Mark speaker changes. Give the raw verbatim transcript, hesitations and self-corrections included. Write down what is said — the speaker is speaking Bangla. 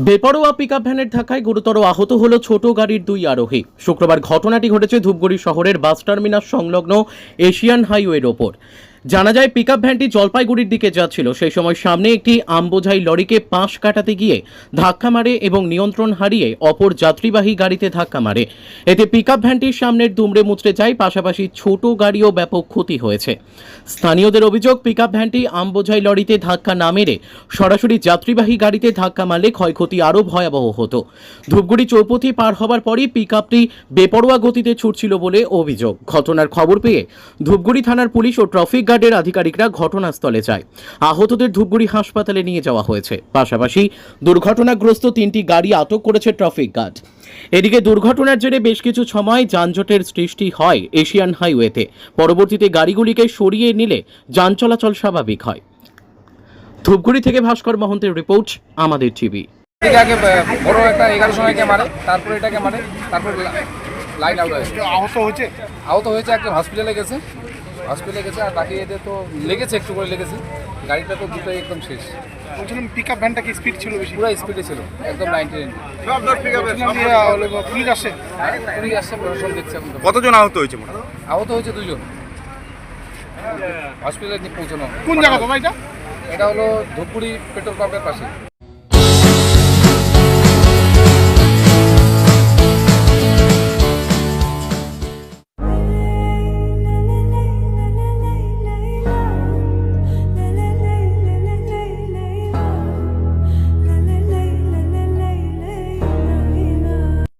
Speaker 1: বেপরোয়া পিকআপ ভ্যানের ধাক্কায় গুরুতর আহত হলো ছোট গাড়ির দুই আরোহী। শুক্রবার ঘটনাটি ঘটেছে ধূপগুড়ি শহরের বাস টার্মিনাস সংলগ্ন এশিয়ান হাইওয়ের ওপর। জানা যায়, পিকআপ ভ্যানটি জলপাইগুড়ির দিকে যাচ্ছিল। সেই সময় সামনে একটি আমবোঝাই লরিকে পাশ কাটাতে গিয়ে ধাক্কা মারে এবং নিয়ন্ত্রণ হারিয়ে অপর যাত্রীবাহী গাড়িতে ধাক্কা মারে। এতে পিকআপ ভ্যানটির সামনের দুমড়ে মুচড়ে যায়, পাশাপাশি ছোট গাড়িও ব্যাপক ক্ষতি হয়েছে। স্থানীয়দের অভিযোগ, পিকআপ ভ্যানটি আমবোঝাই লরিতে ধাক্কা না মেরে সরাসরি যাত্রীবাহী গাড়িতে ধাক্কা মারলে ক্ষয়ক্ষতি আরও ভয়াবহ হতো। ধূপগুড়ি চৌপথি পার হবার পরই পিকআপটি বেপরোয়া গতিতে ছুটছিল বলে অভিযোগ। ঘটনার খবর পেয়ে ধূপগুড়ি থানার পুলিশ ও ট্রাফিক গার্ডের আধিকারিকরা ঘটনাস্থলে যায়। আহতদের ধূপগুড়ি হাসপাতালে নিয়ে যাওয়া হয়েছে। পাশাপাশি দুর্ঘটনাগ্রস্ত তিনটি গাড়ি আটক করেছে ট্রাফিক গার্ড। এদিকে দুর্ঘটনার জেরে বেশ কিছু সময় যানজটের সৃষ্টি হয় এশিয়ান হাইওয়েতে। পরবর্তীতে গাড়িগুলিকে সরিয়ে নিলে যান চলাচল স্বাভাবিক হয়। ধূপগুড়ি থেকে ভাস্কর মহন্তের রিপোর্ট, আমাদের টিভি।
Speaker 2: আগে বড় একটা এগারো সময়কে মারে, তারপরে এটাকে মারে, তারপরে লাইন আউট হয়েছে।
Speaker 3: আহত হয়েছে
Speaker 2: আহত হয়েছে একটা হসপিটালে গেছে হসপিটালে গেছে আর বাকি এদের তো লেগেছে, একটু করে লেগেছে। গাড়িটা তো দুটোই একদম শেষ।
Speaker 3: বলছিলাম পিকআপ ভ্যানটা কি স্পিড ছিল বেশি?
Speaker 2: পুরো স্পিডে ছিল, একদম নাইনটি নাইন।
Speaker 3: পুলিশ আসে
Speaker 2: পুলিশ আসছে, প্রশাসন দেখছে। এখন
Speaker 4: কতজন আহত হয়েছে?
Speaker 2: আহত হয়েছে দুজন, হসপিটালে পৌঁছানো।
Speaker 3: কোন জায়গা দাদা এটা?
Speaker 2: এটা হলো ধূপগুড়ি পেট্রোল পাম্পের পাশে।